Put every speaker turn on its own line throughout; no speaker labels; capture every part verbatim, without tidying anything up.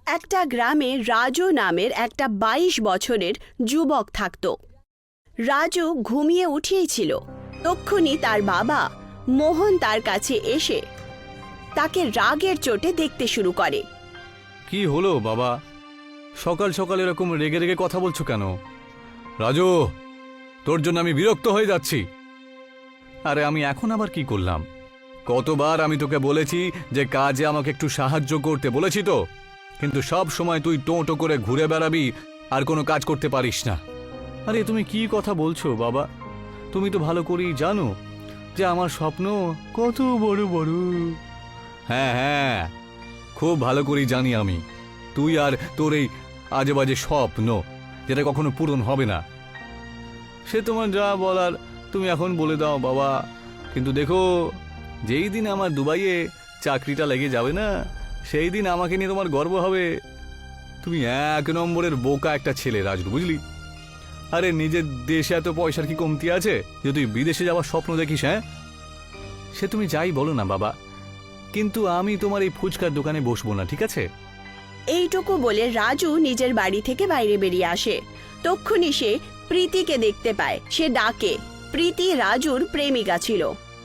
একটা গ্রামে রাজু নামের একটা বাইশ বছরের যুবক থাকত। রাজু ঘুমিয়ে উঠিয়েছিল। তক্ষুনি তার বাবা মোহন তার কাছে এসে তাকে রাগের চোটে দেখতে শুরু করে।
কি হলো বাবা, সকাল সকাল এরকম রেগে রেগে কথা বলছো কেন? রাজু, তোর জন্য আমি বিরক্ত হয়ে যাচ্ছি। আরে আমি এখন আবার কি করলাম? কতবার আমি তোকে বলেছি যে কাজে আমাকে একটু সাহায্য করতে বলেছি তো, কিন্তু সব সময় তুই টোঁটো করে ঘুরে বেড়াবি আর কোনো কাজ করতে পারিস না। আরে তুমি কি কথা বলছো বাবা? তুমি তো ভালো করেই জানো যে আমার স্বপ্ন কত বড় বড়। হ্যাঁ হ্যাঁ, খুব ভালো করেই জানি আমি তুই আর তোর এই আজে বাজে স্বপ্ন যেটা কখনো পূরণ হবে না। সে তোমার যা বলার তুমি এখন বলে দাও বাবা, কিন্তু দেখো যেই দিন আমার দুবাইয়ে চাকরিটা লেগে যাবে না, সেই দিন আমাকে নিয়ে তোমার গর্ব হবে। তুমি এক নম্বরের বোকা একটা ছেলে রাজু, বুঝলি? আরে নিজের দেশে এত পয়সার কি কমতি আছে যে তুই বিদেশে যাওয়ার স্বপ্ন দেখিস? হ্যাঁ, সে তুমি যাই বলো না বাবা, কিন্তু আমি তোমার এই ফুচকার দোকানে বসবো না, ঠিক আছে?
এইটুকু বলে রাজু নিজের বাড়ি থেকে বাইরে বেরিয়ে আসে। তক্ষুনি সে প্রীতিকে দেখতে পায়। সে ডাকে। প্রীতি রাজুর প্রেমিকা ছিল।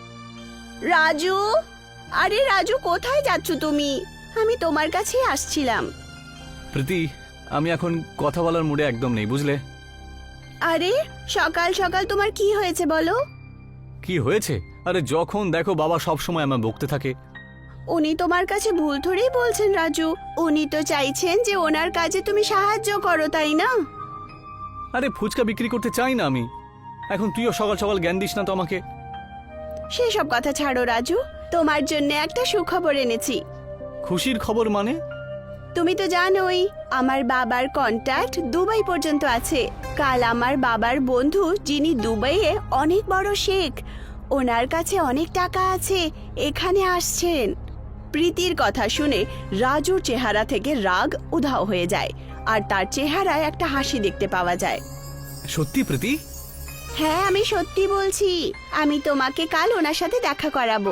রাজু, আরে রাজু, কোথায় যাচ্ছ তুমি? আমি তোমার কাছেই আসছিলাম।
প্রীতি, আমি এখন কথা বলার মুডে একদম নেই, বুঝলে?
আরে সকাল সকাল তোমার কি হয়েছে বলো?
কি হয়েছে? আরে যখন দেখো বাবা সব সময় আমার বকতে থাকে।
উনি তোমার কাছে ভুল ধরেই বলছেন রাজু। উনি তো চাইছেন যে ওনার কাজে তুমি সাহায্য করো, তাই না?
আরে ফুচকা বিক্রি করতে চাই না আমি। এখন তুইও সকাল সকাল জ্ঞান দিস না তো আমাকে।
সেসব কথা ছাড়ো রাজু, তোমার জন্য একটা সুখবর এনেছি।
খুশির খবর মানে?
তুমি তো জানোই আমার বাবার কন্ট্যাক্ট দুবাই পর্যন্ত আছে। কাল আমার বাবার বন্ধু, যিনি দুবাইয়ে অনেক বড় শেখ, ওনার কাছে অনেক টাকা আছে, এখানে আসছেন। প্রীতির কথা শুনে রাজুর চেহারা থেকে রাগ উধাও হয়ে যায়, আর তার চেহারায় একটা হাসি দেখতে পাওয়া যায়।
সত্যি প্রীতি?
হ্যাঁ, আমি সত্যি বলছি। আমি তোমাকে কাল ওনার সাথে দেখা করাবো।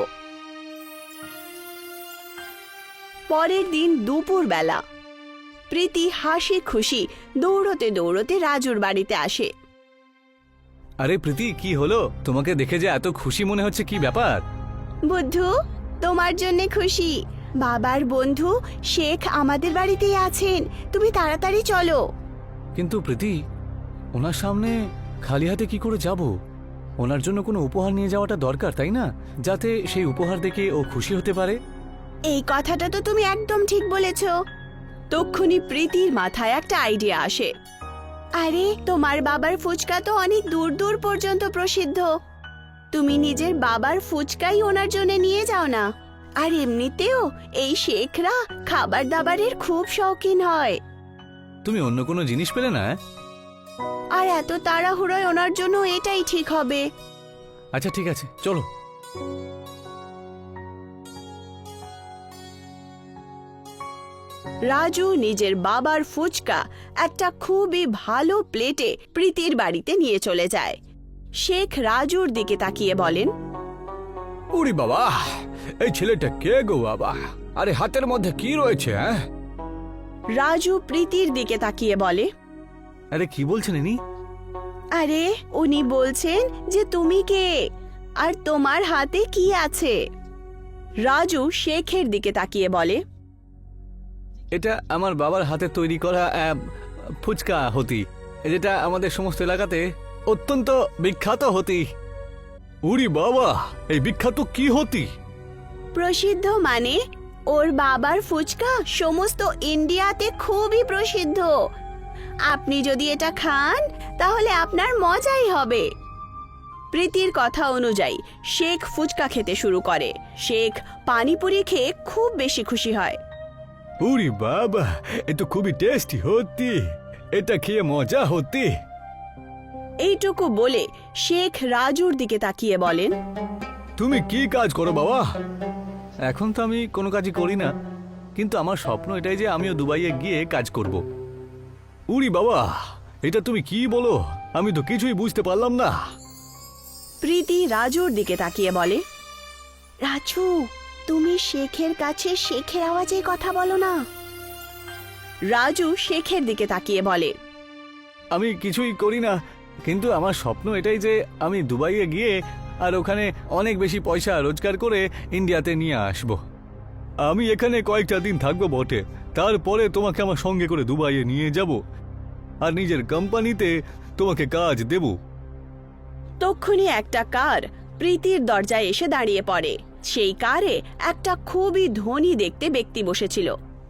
পরের দিন দুপুর বেলা প্রীতি হাসি খুশি দৌড়তে দৌড়তে রাজুর বাড়িতে আসে।
আরে প্রীতি, কি হলো? তোমাকে দেখে যে এত খুশি মনে হচ্ছে, কি ব্যাপার?
বুদ্ধু, তোমার জন্য খুশি। বাবার বন্ধু শেখ আমাদের বাড়িতেই আছেন, তুমি তাড়াতাড়ি চলো।
কিন্তু প্রীতি, ওনার সামনে খালি হাতে কি করে যাব? ওনার জন্য কোনো উপহার নিয়ে যাওয়াটা দরকার, তাই না? যাতে সেই উপহার দেখে ও খুশি হতে পারে।
এই কথাটা তো তুমি একদম ঠিক বলেছ। তক্ষুনি প্রীতির মাথায় একটা আইডিয়া আসে। আরে তোমার বাবার ফুচকা তো অনেক দূর দূর পর্যন্ত প্রসিদ্ধ। তুমি নিজের বাবার ফুচকাই ওনার জন্য নিয়ে যাও না। আর এমনিতেও এই শেখরা খাবার দাবারের খুব শৌখিন হয়।
তুমি অন্য কোনো জিনিস পেলে না?
আর এত তাড়াহুড়োয় ওনার জন্য এটাই ঠিক হবে।
আচ্ছা ঠিক আছে, চলো।
রাজু নিজের বাবার ফুচকা একটা খুবই ভালো প্লেটে প্রীতির বাড়িতে নিয়ে চলে যায়। শেখ রাজুর দিকে তাকিয়ে বলেন,
উরি বাবা, এই ছেলেটা কে গো বাবা? আরে হাতের মধ্যে কি রয়েছে? হ্যাঁ,
রাজু প্রীতির দিকে তাকিয়ে বলে,
আরে কি বলছেন ইনি?
আরে উনি বলছেন যে তুমি কে আর তোমার হাতে কি আছে। রাজু শেখের দিকে তাকিয়ে বলে,
এটা আমার বাবার হাতে তৈরি করা আহ, ফুচকা হতি, যেটা আমাদের সমস্ত এলাকাতে অত্যন্ত বিখ্যাত হতি।
উরি বাবা, এই বিখ্যাত কি হতি?
প্রসিদ্ধ মানে ওর বাবার ফুচকা সমস্ত ইন্ডিয়াতে খুবই প্রসিদ্ধ। আপনি যদি এটা খান তাহলে আপনার মজাই হবে। প্রীতির কথা অনুযায়ী শেখ ফুচকা খেতে শুরু করে। শেখ পানিপুরি খেয়ে খুব বেশি খুশি হয়।
উরি বাবা, এ তো খুবই টেস্টি হতি, এটা খেয়ে মজা হতি।
এইটুকু বলে শেখ রাজুর দিকে তাকিয়ে বলেন,
তুমি কি কাজ করো বাবা?
এখন তো আমি কোনো কাজই করি না, কিন্তু আমার স্বপ্ন এটাই যে আমিও দুবাইয়ে গিয়ে কাজ করব।
উরি বাবা, এটা তুমি কি বলো? আমি তো কিছুই বুঝতে পারলাম না।
প্রীতি রাজুর দিকে তাকিয়ে বলে, রাজু, তুমি শেখের কাছে শেখের আওয়াজে কথা বলো না। রাজু শেখের দিকে তাকিয়ে বলে,
আমি কিছুই করি না, কিন্তু আমার স্বপ্ন এটাই যে আমি দুবাইয়ে গিয়ে আর ওখানে অনেক বেশি পয়সা রোজগার করে ইন্ডিয়াতে নিয়ে আসব। আমি এখানে কয়েকটা দিন থাকবো বটে, তারপরে তোমাকে আমার সঙ্গে করে দুবাইয়ে নিয়ে যাব আর নিজের কোম্পানিতে তোমাকে কাজ দেব।
তক্ষুনি একটা কার প্রীতির দরজায় এসে দাঁড়িয়ে পড়ে। সেই কারে একটা খুবই ধনী দেখতে ব্যক্তি বসেছিল।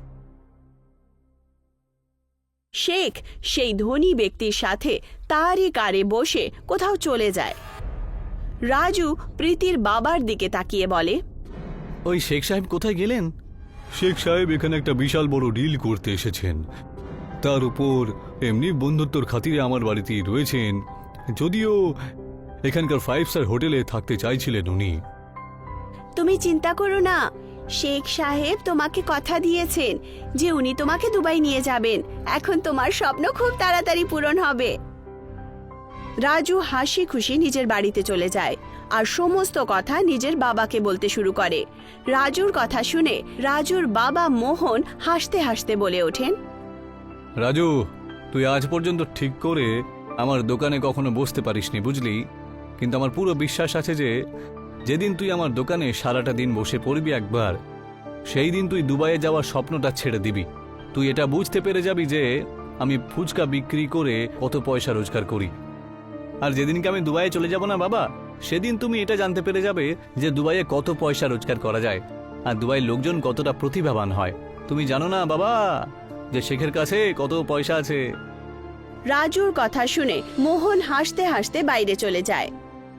শেখ সেই ধনী ব্যক্তির সাথে তারই কারে বসে কোথাও চলে যায়। রাজু প্রীতির বাবার দিকে তাকিয়ে বলে,
ওই শেখ সাহেব কোথায় গেলেন? শেখ সাহেব এখানে একটা বিশাল বড় ডিল করতে এসেছেন, তার উপর এমনি বন্ধুত্বর খাতিরে আমার বাড়িতেই রয়েছেন, যদিও এখানকার ফাইভ স্টার হোটেলে থাকতে চাইছিলেন উনি।
তুমি চিন্তা করো না, শেখ সাহেব তোমাকে কথা দিয়েছেন যে উনি তোমাকে দুবাই নিয়ে যাবেন। এখন তোমার স্বপ্ন খুব তাড়াতাড়ি পূরণ হবে। রাজু হাসি খুশি নিজের বাড়িতে চলে যায় আর সমস্ত কথা নিজের বাবাকে বলতে শুরু করে। রাজুর কথা শুনে রাজুর বাবা মোহন হাসতে হাসতে বলে ওঠেন,
রাজু, তুই আজ পর্যন্ত ঠিক করে আমার দোকানে কখনো বসতে পারিসনি, বুঝলি? কিন্তু আমার পুরো বিশ্বাস আছে যে যেদিন তুই আমার দোকানে সারাটা দিন বসে পড়বি একবার, সেই দিন তুই দুবাইয়ে যাওয়ার স্বপ্নটা ছেড়ে দিবি। তুই এটা বুঝতে পেরে যাবি যে আমি ফুচকা বিক্রি করে কত পয়সা রোজগার করি। আর যেদিনকে আমি দুবাইয়ে চলে যাব না বাবা, সেদিন তুমি এটা জানতে পেরে যাবে যে দুবাইয়ে কত পয়সা রোজগার করা যায় আর দুবাইয়ের লোকজন কতটা প্রতিভাবান হয়। তুমি জানো না বাবা যে শেখের কাছে কত পয়সা আছে?
রাজুর কথা শুনে মোহন হাসতে হাসতে বাইরে চলে যায়।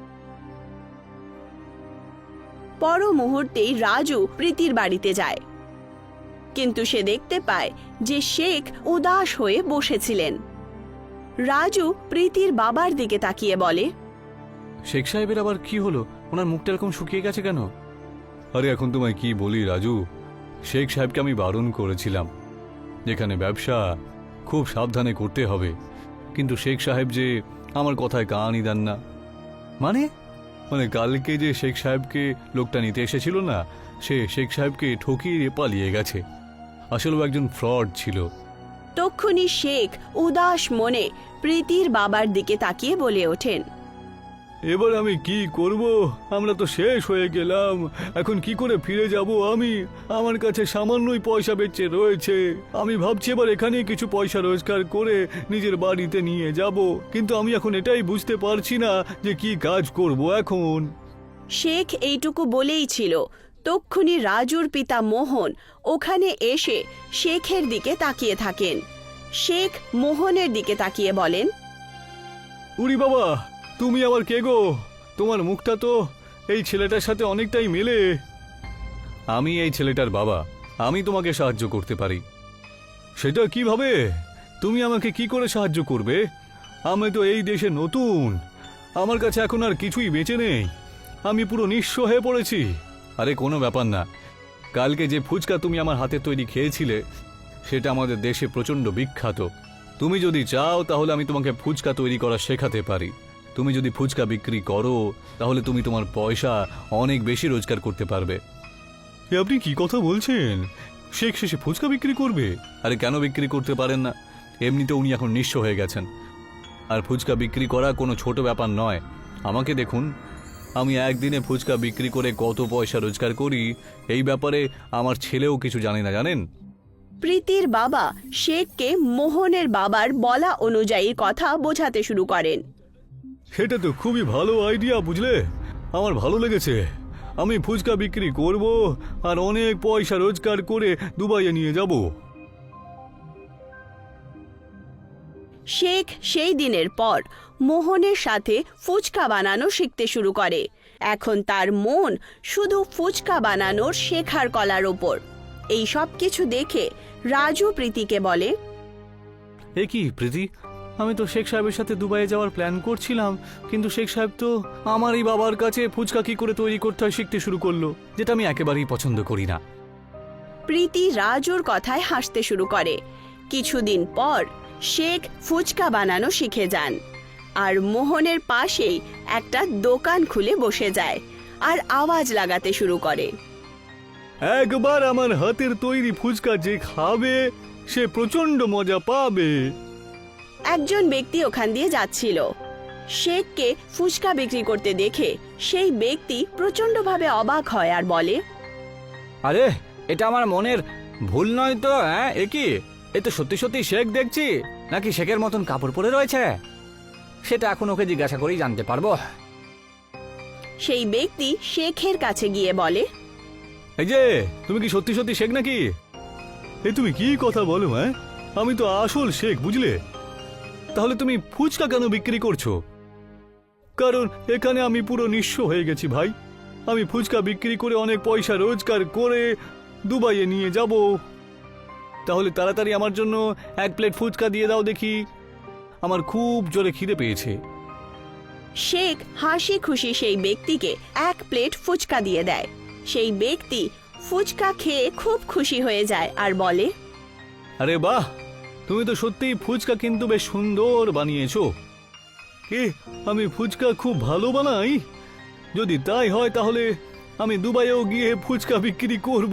পর মুহূর্তেই রাজু প্রীতির বাড়িতে যায়, কিন্তু সে দেখতে পায় যে শেখ উদাস হয়ে বসেছিলেন। রাজু প্রীতির বাবার দিকে তাকিয়ে বলে,
শেখ সাহেবের আবার কি হলো? ওনার মুখটা এরকম শুকিয়ে গেছে কেন? আরে এখন তোমায় কি বলি রাজু, শেখ সাহেবকে আমি বারণ করেছিলাম যেখানে ব্যবসা খুব সাবধানে করতে হবে, কিন্তু শেখ সাহেব যে আমার কথায় কানই দেন না। মানে মানে কালকে যে শেখ সাহেবকে লোকটা নিতে এসেছিল না, সে শেখ সাহেবকে ঠকিয়ে পালিয়ে গেছে। আসলে একজন ফ্রড ছিল।
তক্ষুনি শেখ উদাস মনে প্রীতির বাবার দিকে তাকিয়ে বলে ওঠেন,
এবার আমি কি করব? আমরা তো শেষ হয়ে গেলাম, এখন কি করে ফিরে যাব আমি? আমার কাছে সামান্যই পয়সা বেঁচে রয়েছে। আমি ভাবছি এবার এখানেই কিছু পয়সা রোজগার করে নিজের বাড়িতে নিয়ে যাব, কিন্তু আমি এখন এটাই বুঝতে পারছি না যে কি কাজ করব এখন।
শেখ এইটুকু বলেই ছিল, তক্ষুনি রাজুর পিতা মোহন ওখানে এসে শেখের দিকে তাকিয়ে থাকেন। শেখ মোহনের দিকে তাকিয়ে বলেন,
উরি বাবা, তুমি আবার কে গো? তোমার মুখটা তো এই ছেলেটার সাথে অনেকটাই মেলে। আমি এই ছেলেটার বাবা, আমি তোমাকে সাহায্য করতে পারি। সেটা কিভাবে? তুমি আমাকে কি করে সাহায্য করবে? আমি তো এই দেশে নতুন, আমার কাছে এখন আর কিছুই বেঁচে নেই, আমি পুরো নিঃস্ব হয়ে পড়েছি। আরে কোনো ব্যাপার না, কালকে যে ফুচকা তুমি আমার হাতে তৈরি খেয়েছিলে সেটা আমাদের দেশে প্রচণ্ড বিখ্যাত। তুমি যদি চাও তাহলে আমি তোমাকে ফুচকা তৈরি করা শেখাতে পারি। তুমি যদি ফুচকা বিক্রি করো তাহলে তুমি তোমার পয়সা অনেক বেশি রোজগার করতে পারবে। আপনি কি কথা বলছেন? শেখ শেষে ফুচকা বিক্রি করবে? আরে কেন বিক্রি করতে পারেন না? এমনিতে উনি এখন নিঃস্ব হয়ে গেছেন, আর ফুচকা বিক্রি করা কোনো ছোট ব্যাপার নয়। আমাকে দেখুন, আমি একদিনে ফুচকা বিক্রি করে কত পয়সা রোজগার করি এই ব্যাপারে আমার ছেলেও কিছু জানে না, জানেন?
প্রীতির বাবা শেখকে মোহনের বাবার বলা অনুযায়ী কথা বোঝাতে শুরু করেন।
সেটা তো খুবই ভালো আইডিয়া, বুঝলে? আমার ভালো লেগেছে। আমি ফুচকা বিক্রি করব আর অনেক পয়সা রোজগার করে দুবাইয়ে নিয়ে যাব।
শেখ সেই দিনের পর মোহনের সাথে ফুচকা বানানো শিখতে শুরু করে। এখন তার মন শুধু ফুচকা বানানোর শেখার কলার ওপর। এই সব কিছু দেখে রাজু প্রীতিকে বলে,
এ কি প্রীতি, আমি তো শেখ সাহেবের সাথে দুবাইয়ে যাওয়ার প্ল্যান করছিলাম, কিন্তু শেখ সাহেব তো আমারই বাবার কাছে ফুচকা কি করে তৈরি করতে হয় শিখতে শুরু করলো, যেটা আমি একেবারেই পছন্দ করি না।
প্রীতি রাজুর কথায় হাসতে শুরু করে। কিছুদিন পর শেখ ফুচকা বানানো শিখে যান আর মোহনের পাশেই একটা দোকান খুলে বসে যায় আর আওয়াজ লাগাতে শুরু করে,
একবার আমার হাতের তৈরি ফুচকা যে খাবে সে প্রচন্ড মজা পাবে।
একজন ব্যক্তি ওখান দিয়ে যাচ্ছিল। শেখকে ফুচকা বিক্রি করতে দেখে সেই ব্যক্তি প্রচন্ডভাবে অবাক হয় আর বলে,
আরে এটা আমার মনের ভুল নয় তো? হ্যাঁ, এ কি? এ তো সত্যি সত্যি শেখ দেখছি, নাকি শেখের মতন কাপড় পরে রয়েছে? সেটা এখন ওকে জিজ্ঞাসা করেই জানতে পারবো।
সেই ব্যক্তি শেখের কাছে গিয়ে বলে,
এই যে, তুমি কি সত্যি সত্যি শেখ নাকি? এ তুমি কি কথা বলো? হ্যাঁ, আমি তো আসল শেখ, বুঝলে? তাহলে তুমি ফুচকা কেন বিক্রি করছো? কারণ এখানে আমি পুরো নিঃস্ব হয়ে গেছি ভাই। আমি ফুচকা বিক্রি করে অনেক পয়সা রোজগার করে দুবাইয়ে নিয়ে যাব। তাহলে তাড়াতাড়ি আমার জন্য এক প্লেট ফুচকা দিয়ে দাও দেখি, আমার খুব জোরে খিদে পেয়েছে।
শেখ হাসি খুশি সেই ব্যক্তিকে এক প্লেট ফুচকা দিয়ে দেয়। সেই ব্যক্তি ফুচকা খেয়ে খুব খুশি হয়ে যায় আর বলে,
আরে বাহ, তুমি তো সত্যিই ফুচকা কিন্তু বেশ সুন্দর বানিয়েছো। কি, আমি ফুচকা খুব ভালো বানাই? যদি তাই হয় তাহলে আমি দুবাইয়েও গিয়ে ফুচকা বিক্রি করব।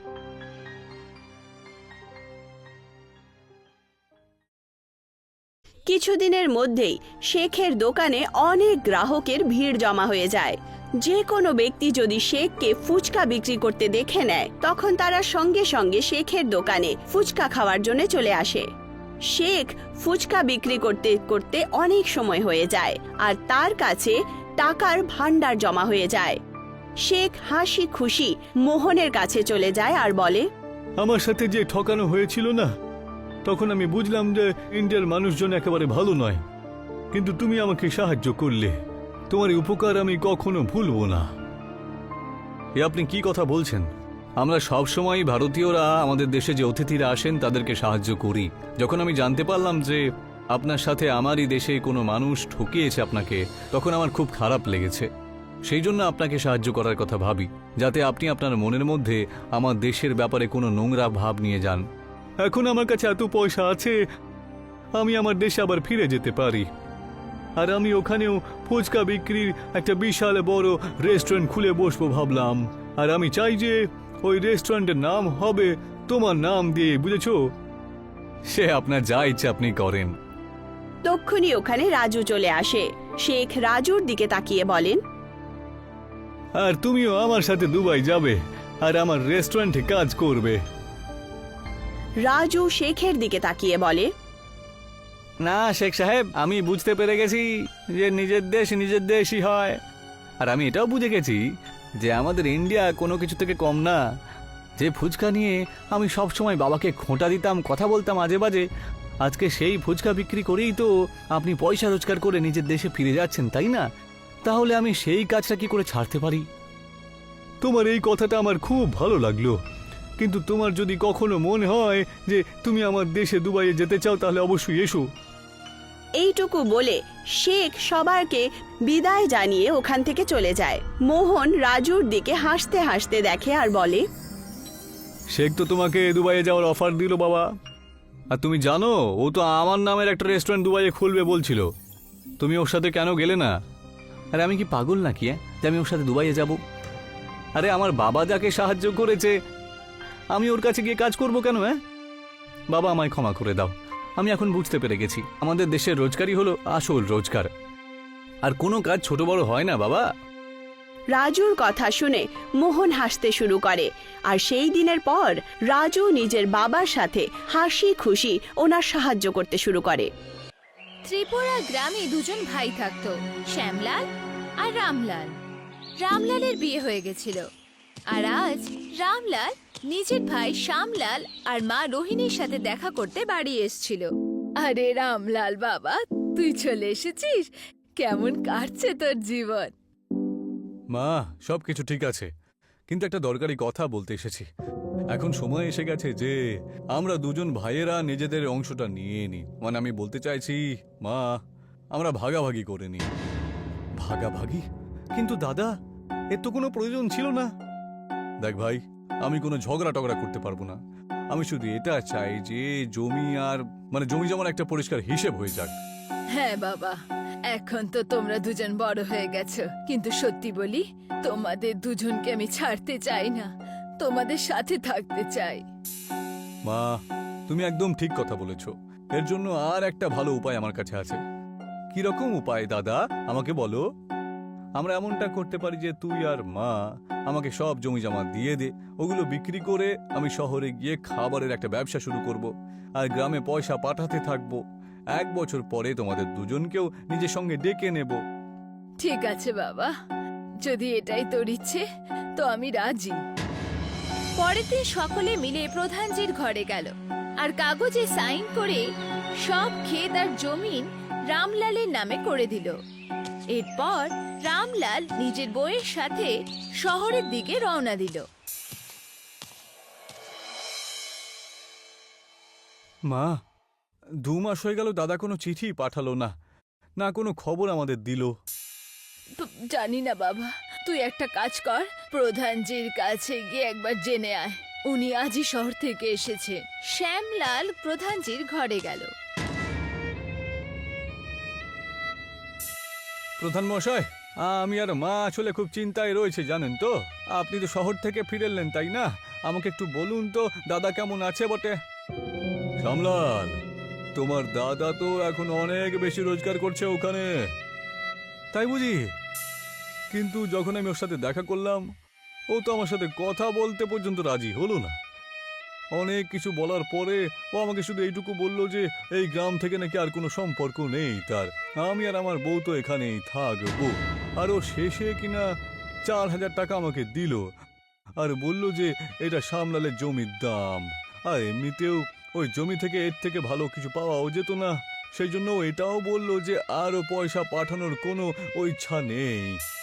কিছুদিনের মধ্যেই শেখের দোকানে অনেক গ্রাহকের ভিড় জমা হয়ে যায়। যে কোনো ব্যক্তি যদি শেখকে ফুচকা বিক্রি করতে দেখে নেয়, তখন তারা সঙ্গে সঙ্গে শেখের দোকানে ফুচকা খাওয়ার জন্য চলে আসে। শেখ ফুচকা বিক্রি করতে করতে অনেক সময় হয়ে যায় আর তার কাছে টাকার ভান্ডার জমা হয়ে যায়। শেখ হাসি খুশি মোহনের কাছে চলে যায় আর বলে,
আমার সাথে যে ঠকানো হয়েছিল না, তখন আমি বুঝলাম যে ইন্ডিয়ার মানুষজন একেবারে ভালো নয়, কিন্তু তুমি আমাকে সাহায্য করলে। তোমার এই উপকার আমি কখনো ভুলবো না। এ আপনি কি কথা বলছেন? আমরা সব সময় ভারতীয়রা আমাদের দেশে যে অতিথিরা আসেন তাদেরকে সাহায্য করি। যখন আমি জানতে পারলাম যে আপনার সাথে আমারই দেশে কোনো মানুষ ঠকিয়েছে আপনাকে, তখন আমার খুব খারাপ লেগেছে। সেই জন্য আপনাকে সাহায্য করার কথা ভাবি, যাতে আপনি আপনার মনের মধ্যে আমার দেশের ব্যাপারে কোনো নোংরা ভাব নিয়ে যান। এখন আমার কাছে এত পয়সা আছে, আমি আমার দেশে আবার ফিরে যেতে পারি। আর আমি ওখানেও ফুচকা বিক্রির একটা বিশাল বড় রেস্টুরেন্ট খুলে বসবো ভাবলাম। আর আমি চাই যে ওই রেস্টুরেন্টের নাম হবে তোমার নাম দিয়ে, বুঝেছো? সে আপনার যা ইচ্ছে আপনি করেন।
তক্ষুনি ওখানে রাজু চলে আসে। শেখ রাজুর দিকে তাকিয়ে বলেন,
আর তুমিও আমার সাথে দুবাই যাবে আর আমার রেস্টুরেন্টে কাজ করবে।
রাজু শেখের দিকে তাকিয়ে বলে,
না শেখ সাহেব, আমি বুঝতে পেরে গেছি যে নিজের দেশ নিজের দেশই হয়। আর আমি এটাও বুঝে গেছি যে আমাদের ইন্ডিয়া কোনো কিছু থেকে কম না। যে ফুচকা নিয়ে আমি সব সময় বাবাকে খোঁটা দিতাম, কথা বলতাম আজে বাজে, আজকে সেই ফুচকা বিক্রি করেই তো আপনি পয়সা রোজগার করে নিজের দেশে ফিরে যাচ্ছেন, তাই না? তাহলে আমি সেই কাজটা কি করে ছাড়তে পারি? তোমার এই কথাটা আমার খুব ভালো লাগলো, কিন্তু তোমার যদি কখনো মনে হয় যে তুমি আমার দেশে দুবাইয়ে যেতে চাও, তাহলে অবশ্যই এসো।
এইটুকু বলে শেখ সবাইকে বিদায় জানিয়ে ওখান থেকে চলে যায়। মোহন রাজুর দিকে হাসতে হাসতে দেখে আর বলে,
শেখ তো তোমাকে দুবাইয়ে যাওয়ার অফার দিল বাবা। আর তুমি জানো, ও তো আমার নামের একটা রেস্টুরেন্ট দুবাইয়ে খুলবে বলছিল। তুমি ওর সাথে কেন গেলে না? আরে আমি কি পাগল নাকি হ্যাঁ, যে আমি ওর সাথে দুবাইয়ে যাব? আরে আমার বাবা যাকে সাহায্য করেছে, আমি ওর কাছে গিয়ে কাজ করব কেন? হ্যাঁ বাবা, আমায় ক্ষমা করে দাও। আমি এখন বুঝতে পেরে গেছি আমাদের দেশের রোজগারই হলো আসল রোজগার, আর কোনো কাজ ছোট বড় হয় না বাবা।
রাজুর কথা শুনে মোহন হাসতে শুরু করে। আর সেই দিনের পর রাজু নিজের বাবার সাথে হাসি খুশি ওনার সাহায্য করতে শুরু করে।
ত্রিপুরা গ্রামে দুজন ভাই থাকতো, শ্যামলাল আর রামলাল। রামলালের বিয়ে হয়ে গেছিল, আর আজ রামলাল নিজের ভাই শ্যামলাল আর মা রোহিণীর সাথে দেখা করতে বাড়ি এসেছিল। আরে রামলাল বাবা, তুই চলে এসেছিস? কেমন কাটছে তোর জীবন?
মা, সব কিছু ঠিক আছে, কিন্তু একটা দরকারি কথা বলতে এসেছি। এখন সময় এসে গেছে যে আমরা দুজন ভাইয়েরা নিজেদের অংশটা নিয়ে নিই। মানে আমি বলতে চাইছি মা, আমরা ভাগাভাগি করে নিই। ভাগাভাগি? কিন্তু দাদা, এর তো কোনো প্রয়োজন ছিল না। দেখ ভাই, আমি কোনো ঝগড়া টগড়া করতে পারবো না। আমি শুধু এটা চাই যে জমি আর মানে জমি যেমন একটা পরিষ্কার হিসেব হয়ে যাক।
হ্যাঁ বাবা, এখন তো তোমরা দুজন বড় হয়ে গেছো, কিন্তু সত্যি বলি, তোমাদের দুজনকে আমি ছাড়তে চাই না, তোমাদের সাথে থাকতে চাই।
মা, তুমি একদম ঠিক কথা বলেছ। এর জন্য আর একটা ভালো উপায় আমার কাছে আছে। কিরকম উপায় দাদা, আমাকে বলো। আমরা এমনটা করতে পারি যে তুই আর মা আমাকে সব জমি জমা দিয়ে দে, ওগুলো বিক্রি করে আমি শহরে গিয়ে খাবারের একটা ব্যবসা শুরু করব, আর গ্রামে পয়সা পাঠাতে থাকবো। এক বছর পরে তোমাদের দুজনকেও নিজের সঙ্গে ডেকে নেব।
ঠিক আছে বাবা, যদি এটাই তোর ইচ্ছে তো আমি রাজি। পরের দিন সকলে মিলে প্রধানজির ঘরে গেল আর কাগজে সাইন করে সব ক্ষেত আর জমিন রামলালের নামে করে দিল। এরপর রামলাল নিজের বউয়ের সাথে শহরের দিকে রওনা দিল।
মা, দু মাস হয়ে গেল দাদা কোনো চিঠি পাঠালো না, না কোনো খবর আমাদের দিল।
প- জানি না বাবা, তুই একটা কাজ কর, প্রধানজির কাছে গিয়ে একবার জেনে আয়। উনি আজই শহর থেকে এসেছে। শ্যামলাল প্রধানজির ঘরে গেল।
প্রধান মশাই, আমি আর মা আসলে খুব চিন্তায় রয়েছে জানেন তো। আপনি তো শহর থেকে ফিরে এলেন তাই না? আমাকে একটু বলুন তো দাদা কেমন আছে বটে। শ্যামলাল, তোমার দাদা তো এখন অনেক বেশি রোজগার করছে ওখানে, তাই বুঝি? কিন্তু যখন আমি ওর সাথে দেখা করলাম, ও তো আমার সাথে কথা বলতে পর্যন্ত রাজি হলো না। অনেক কিছু বলার পরে ও আমাকে শুধু এইটুকু বলল যে এই গ্রাম থেকে নাকি আর কোনো সম্পর্ক নেই তার, আমি আর আমার বউ তো এখানেই থাকবো। আর ও শেষে কিনা চার হাজার টাকা আমাকে দিল আর বলল যে এটা শ্যামলালের জমির দাম, আর এমনিতেও ওই জমি থেকে এর থেকে ভালো কিছু পাওয়াও যেত না। সেই জন্য ও এটাও বলল যে আরও পয়সা পাঠানোর কোনো ও ইচ্ছা নেই।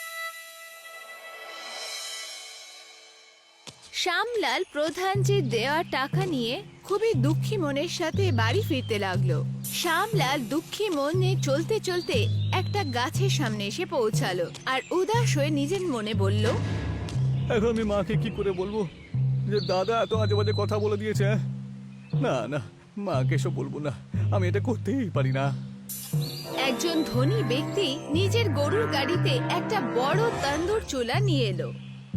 শ্যামলাল প্রধানজির দেওয়া টাকা নিয়ে খুবই দুঃখী মনের সাথে বাড়ি ফিরতে লাগলো। শ্যামলাল দুঃখী মনে চলতে চলতে একটা গাছের সামনে এসে পৌঁছালো আর উদাস হয়ে নিজের মনে বলল,
এখন আমি মাকে কি করে বলবো যে দাদা এত আজে বাজে কথা বলে দিয়েছে? হ্যাঁ? না না, মাকে এসব বলবো না, আমি এটা করতেই পারি না।
একজন ধনী ব্যক্তি নিজের গরুর গাড়িতে একটা বড় তন্দুর চুলা নিয়ে এলো।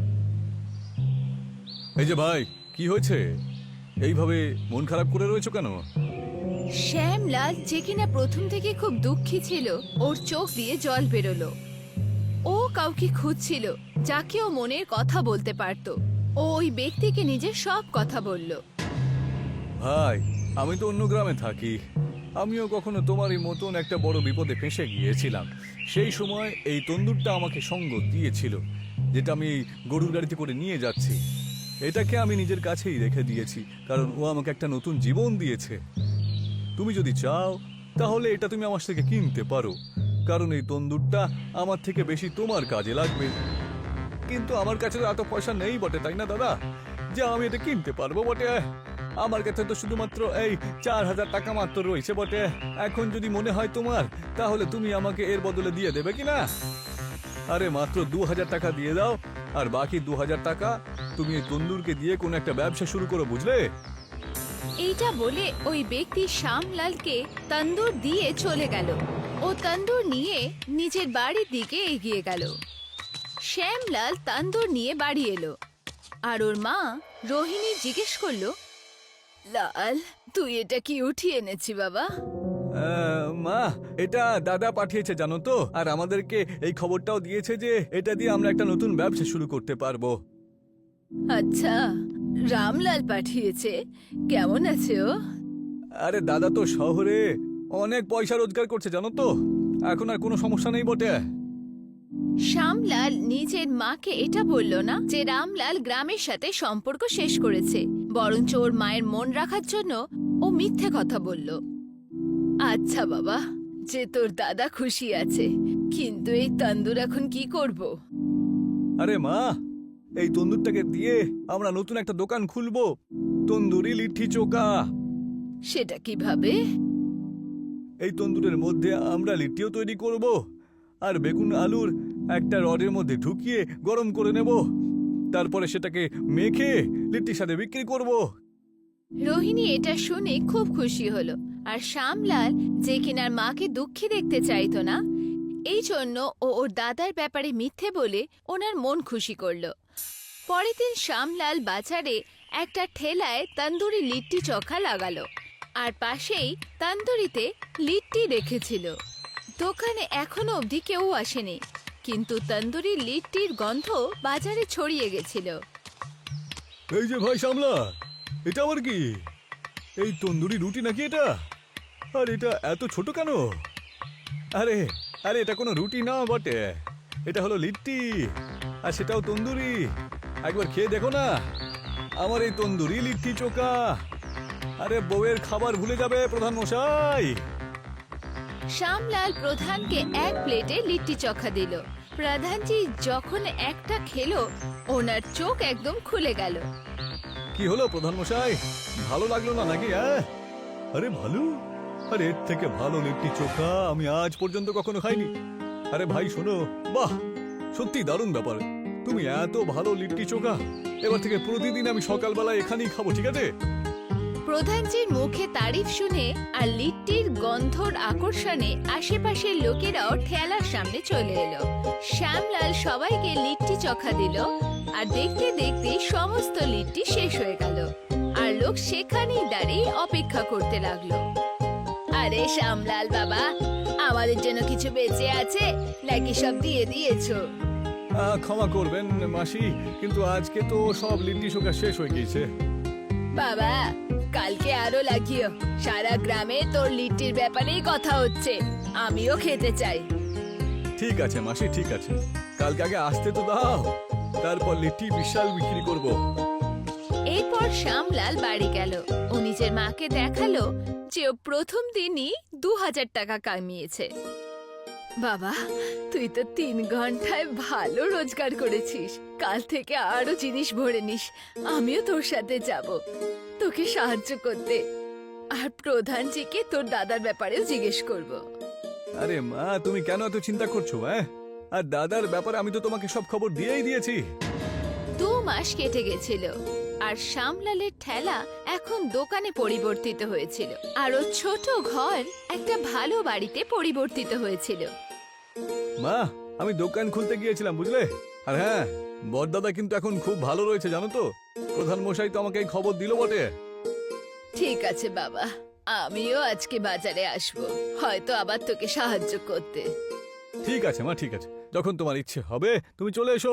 এই যে ভাই, কি হয়েছে? এইভাবে মন খারাপ করে রয়েছো কেন?
শ্যামলাল, যে কিনা প্রথম থেকে খুব দুঃখী ছিল, ওর চোখ দিয়ে জল বেরোলো। ও কাউকে খুঁজছিল যাকে ও মনের কথা বলতে পারত। ও ওই ব্যক্তিকে নিজের সব কথা বলল।
ভাই, আমি তো অন্য গ্রামে থাকি, আমিও কখনো তোমারই মতন একটা বড় বিপদে ফেঁসে গিয়েছিলাম। সেই সময় এই তন্দুরটা আমাকে সঙ্গ দিয়েছিল, যেটা আমি গরুর গাড়িতে করে নিয়ে যাচ্ছি। এটাকে আমি নিজের কাছেই রেখে দিয়েছি, কারণ ও আমাকে একটা নতুন জীবন দিয়েছে। তুমি যদি চাও তাহলে এটা তুমি আমার থেকে কিনতে পারো, কারণ এই তন্দুরটা আমার থেকে বেশি তোমার কাজে লাগবে। কিন্তু আমার কাছে তো এত পয়সা নেই বটে, তাই না দাদা, যে আমি এটা কিনতে পারবো বটে। আমার কাছে তো শুধুমাত্র এই চার হাজার টাকা মাত্র রয়েছে বটে। এখন যদি মনে হয় তোমার, তাহলে তুমি আমাকে এর বদলে দিয়ে দেবে কিনা? আরে মাত্র দু হাজার টাকা দিয়ে দাও, আর বাকি দু হাজার টাকা তুমি এই তন্দুরকে দিয়ে কোনো একটা ব্যবসা শুরু করো, বুঝলে?
এইটা বলে ওই ব্যক্তি শ্যামলালকে তন্দুর দিয়ে চলে গেল। ও তন্দুর নিয়ে নিজের বাড়ির দিকে এগিয়ে গেল। শ্যামলাল তন্দুর নিয়ে বাড়ি এলো আর ওর মা রোহিণী জিজ্ঞেস করলো, লাল, তুই এটা কি উঠিয়ে এনেছি বাবা?
আহ, মা, এটা দাদা পাঠিয়েছে জানো তো, আর আমাদেরকে এই খবরটাও দিয়েছে যে এটা দিয়ে আমরা একটা নতুন ব্যবসা শুরু করতে পারবো।
আচ্ছা, রামলাল পাঠিয়েছে। কেমন আছে ও?
আরে দাদা তো শহরে অনেক পয়সা রোজগার করছে জানো তো, এখন আর কোনো সমস্যা নেই বটে।
শ্যামলাল নিজের মাকে এটা বলল না যে রামলাল গ্রামের সাথে সম্পর্ক শেষ করেছে, বরঞ্চ ওর মায়ের মন রাখার জন্য ও মিথ্যে কথা বলল। আচ্ছা বাবা, যে তোর দাদা খুশি আছে, কিন্তু এই তন্দুর এখন কি করব?
আরে মা, এই তন্দুরটাকে দিয়ে আমরা নতুন একটা দোকান খুলবো, তন্দুরি লিট্টি চোখা।
সেটা কিভাবে?
এই তন্দুরের মধ্যে আমরা লিট্টিও তৈরি করব, আর বেগুন আলুর একটা রডের মধ্যে ঢুকিয়ে গরম করে নেব, তারপরে সেটাকে মেখে লিট্টির সাথে বিক্রি করব।
রোহিণী এটা শুনে খুব খুশি হলো, আর শ্যামলাল, যে কিনার মাকে দুঃখী দেখতে চাইতো না, এই জন্য ও ওর দাদার ব্যাপারে মিথ্যে বলে ওনার মন খুশি করলো। পরের দিন শ্যামলাল বাজারে একটা ঠেলায় তন্দুরি লিট্টি চোখা লাগালো আর পাশেই তন্দুরিতে লিট্টি রেখেছিল। দোকানে এখনো অবধি কেউ আসেনি, কিন্তু তন্দুরি লিট্টির গন্ধ বাজারে ছড়িয়ে গেছিল।
এই যে ভাই সামলা, এটা আবার কি? এই তন্দুরি রুটি নাকি এটা? আর এটা এত ছোট কেন? আরে আরে এটা কোনো রুটি না বটে, এটা হলো লিট্টি, আর সেটাও তন্দুরি। একবার খেয়ে দেখো না আমার এই তন্দুরি লিট্টি চোখা। আরে বউয়ের খাবার ভুলে যাবে প্রধান মশাই।
শ্যামলাল প্রধানকে এক প্লেটে লিট্টি চোখা দিল। প্রধানজি যখন একটা খেলো, ওনার চোখ একদম খুলে গেল।
কি হলো প্রধান মশাই, ভালো লাগলো না নাকি? হ্যাঁ, আরে ভালো, আরে এর থেকে ভালো লিট্টি চোখা আমি আজ পর্যন্ত কখনো খাইনি। আরে ভাই শোনো, বাহ সত্যি দারুণ ব্যাপার, তুমি এত ভালো লিট্টি চোখা, এবার থেকে প্রতিদিন আমি সকালবেলা এখানেই খাবো, ঠিক আছে?
প্রধানজির মুখে তারিফ শুনে আর লিট্টির গন্ধর আকর্ষণে আশেপাশের লোকেরাও ঠেলার সামনে চলে এলো। শ্যামলাল সবাইকে লিট্টি চোখা দিল, আর দেখতে দেখতে সমস্ত লিট্টি শেষ হয়ে গেল, আর লোক সেখানেই দাঁড়িয়ে অপেক্ষা করতে লাগলো। আরে শ্যামলাল বাবা, আমাদের জন্য কিছু বেঁচে আছে নাকি সব দিয়ে দিয়েছো?
আহ, ক্ষমা করবেন মাসি, কিন্তু আজকে তো সব লিট্টি চোখা শেষ হয়ে গিয়েছে।
বাবা, কালকে আরো লাগিও, সারা গ্রামে তোর লিট্টির ব্যাপারেই কথা হচ্ছে, আমিও খেতে চাই।
ঠিক আছে মাসি, ঠিক আছে, কালকে আগে আসতে তো দাও, তারপর লিট্টি বিশাল বিক্রি করব।
এরপর শ্যামলাল বাড়ি গেল। ও নিজের মাকে দেখালো যে ও প্রথম দিনই দু হাজার টাকা কামিয়েছে। বাবা, তুই তো তিন ঘন্টায় ভালো রোজগার করেছিস, কাল থেকে আরো জিনিস ভরে নিস, আমিও তোর সাথে যাব তোকে সাহায্য করতে, আর প্রধানজিকে তোর দাদার ব্যাপারেও জিজ্ঞেস করব।
আরে মা, তুমি কেন এত চিন্তা করছো? হ্যাঁ, আর দাদার ব্যাপারে আমি তো তোমাকে সব খবর দিয়েই দিয়েছি।
দু মাস কেটে গেছিল, আর শ্যামলালের ঠেলা এখন দোকানে পরিবর্তিত হয়েছিল, আর ও ছোট ঘর একটা ভালো বাড়িতে পরিবর্তিত হয়েছিল।
মা, আমি দোকান খুলতে গিয়েছিলাম বুঝলে, আর হ্যাঁ, বড়দাদা কিন্তু এখন খুব ভালো রয়েছে জানো তো, প্রধান মশাই তো আমাকে এই খবর দিল বটে।
ঠিক আছে বাবা, আমিও আজকে বাজারে আসব, হয়তো আবার তোকে সাহায্য করতে।
ঠিক আছে মা, ঠিক আছে, যখন তোমার ইচ্ছে হবে তুমি চলে এসো।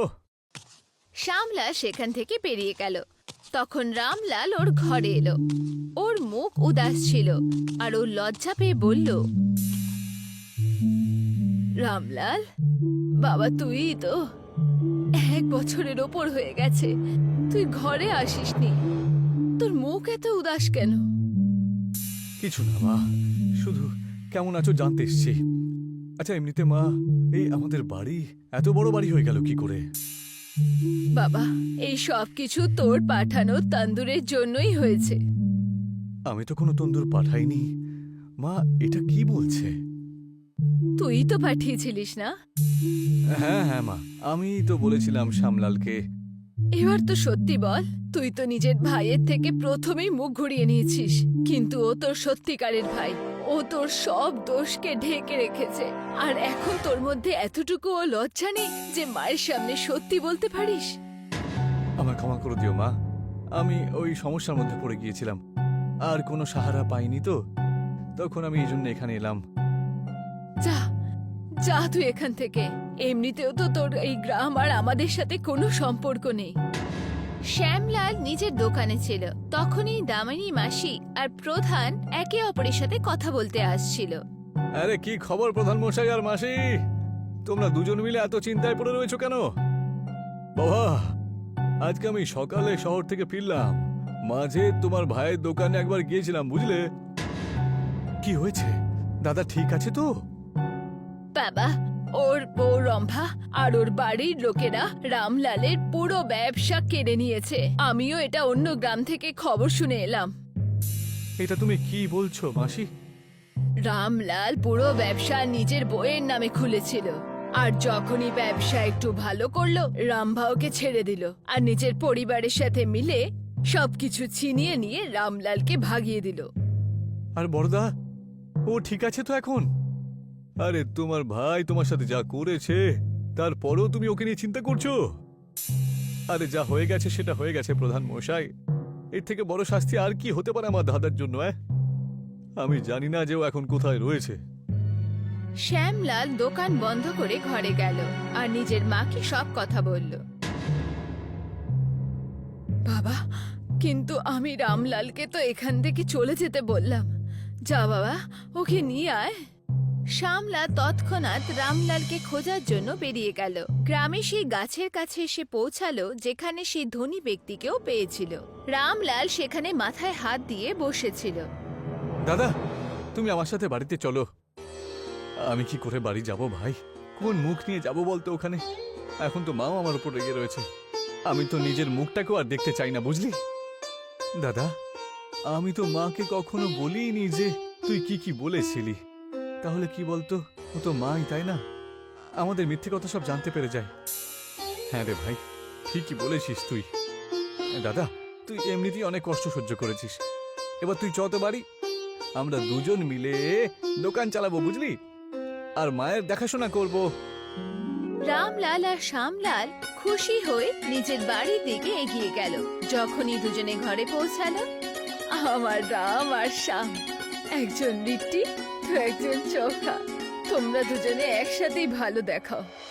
শ্যামলাল সেখান থেকে বেরিয়ে গেল। তখন রামলাল ওর ঘরে এলো। ওর মুখ উদাস ছিল, আর ও লজ্জা পেয়ে বলল, রামলাল বাবা, তুই তো এক বছরের ওপর হয়ে গেছে, তুই ঘরে আসিসনি, তোর মুখ এত উদাস কেন?
কিছু না মা, শুধু কেমন আছো জানতে এসছি। আচ্ছা এমনিতে মা, এই আমাদের বাড়ি এত বড় বাড়ি হয়ে গেল কি করে?
বাবা, এই সব কিছু তোর পাঠানো তন্দুরের জন্যই হয়েছে।
আমি তো কোনো তন্দুর পাঠাইনি মা, এটা কি বলছে?
তুই তো পাঠিয়েছিলিস না?
হ্যাঁ হ্যাঁ মা, আমি তো বলেছিলাম শ্যামলালকে।
এবার তো সত্যি বল, তুই তো নিজের ভাইয়ের থেকে প্রথমেই মুখ ঘুরিয়ে নিয়েছিস, কিন্তু ও তোর সত্যিকারের ভাই, ও তোর সব দোষকে ঢেকে রেখেছে, আর এখন তোর মধ্যে এতটুকু ও লজ্জা নেই যে মায়ের সামনে সত্যি বলতে পারিস।
আমায় ক্ষমা করে দিও মা, আমি ওই সমস্যার মধ্যে পড়ে গিয়েছিলাম, আর কোনো সাহারা পাইনি তো, তখন আমি এই জন্য এখানে এলাম।
যা যা তুই এখান থেকে, এমনিতেও তো তোর এই গ্রাম আর আমাদের সাথে কোনো সম্পর্ক নেই। শ্যামলাল নিজের দোকানে ছিল, তখনই দামিনী মাসি আর প্রধান একে অপরের সাথে কথা বলতে আসছিল।
আরে কি খবর প্রধান মশাই আর মাসি, তোমরা দুজন মিলে এত চিন্তায় পড়ে রয়েছো কেন? বাবা, আজকে আমি সকালে শহর থেকে ফিরলাম, মাঝে তোমার ভাইয়ের দোকানে একবার গিয়েছিলাম বুঝলে। কি হয়েছে, দাদা ঠিক আছে তো?
বাবা, ওর বউ রম্ভা আর ওর বাড়ির লোকেরা রামলালের পুরো ব্যবসা কেড়ে নিয়েছে। আমিও এটা অন্য গ্রাম থেকে খবর শুনে এলাম।
এটা তুমি কি বলছো মাসি?
রামলাল পুরো ব্যবসা নিজের বউয়ের নামে খুলেছিল, আর যখনই ব্যবসা একটু ভালো করলো, রামভা ওকে ছেড়ে দিল, আর নিজের পরিবারের সাথে মিলে সবকিছু ছিনিয়ে নিয়ে রামলালকে ভাগিয়ে দিল।
আর বড়দা, ও ঠিক আছে তো এখন? আরে তোমার ভাই তোমার সাথে যা করেছে, তারপরেও তুমি ওকে নিয়ে চিন্তা করছো? আরে যা হয়ে গেছে সেটা হয়ে গেছে প্রধান মশাই, এর থেকে বড় শাস্তি আর কি হতে পারে আমার দাদার জন্য? অ্যাঁ? আমি জানি না যে ও এখন কোথায় রয়েছে।
শ্যামলাল দোকান বন্ধ করে ঘরে গেল আর নিজের মাকে সব কথা বলল। বাবা, কিন্তু আমি রামলালকে তো এখান থেকে চলে যেতে বললাম। যা বাবা, ওকে নিয়ে আয়। শ্যামলা তৎক্ষণাৎ রামলালকে খোঁজার জন্য বেরিয়ে গেল। গ্রামে সেই গাছের কাছে এসে পৌঁছালো যেখানে সেই ধনী ব্যক্তিকেও পেয়েছিল। রামলাল সেখানে মাথায় হাত দিয়ে বসেছিল।
দাদা, তুমি আমার সাথে বাড়িতে চলো। আমি কি করে বাড়ি যাব ভাই? কোন মুখ নিয়ে যাব বলতো ওখানে? এখন তো মাও আমার উপর রেগে রয়েছে। আমি তো নিজের মুখটাকেও আর দেখতে চাই না, বুঝলি? দাদা, আমি তো মাকে কখনো বলিনি যে তুই কি কি বলেছিলি। তাহলে কি বলতো, ও তো মাই, তাই না? আমাদের মিথ্যে কথা সব জানতে পেরে যায়। হ্যাঁ রে ভাই, ঠিকই বলেছিস তুই। দাদা, তুই এমনিতেই অনেক কষ্ট সহ্য করেছিস। এবার তুই চ তো বাড়ি, আমরা দুজন মিলে দোকান চালাবো, বুঝলি? আর মায়ের দেখাশোনা করব।
রামলাল আর শ্যামলাল খুশি হয়ে নিজের বাড়ির দিকে এগিয়ে গেল। যখনই দুজনে ঘরে পৌঁছালো, আমার রাম আর শ্যাম, একজন লিট্টি তো একজন চোখা, তোমরা দুজনে একসাথেই ভালো দেখাও।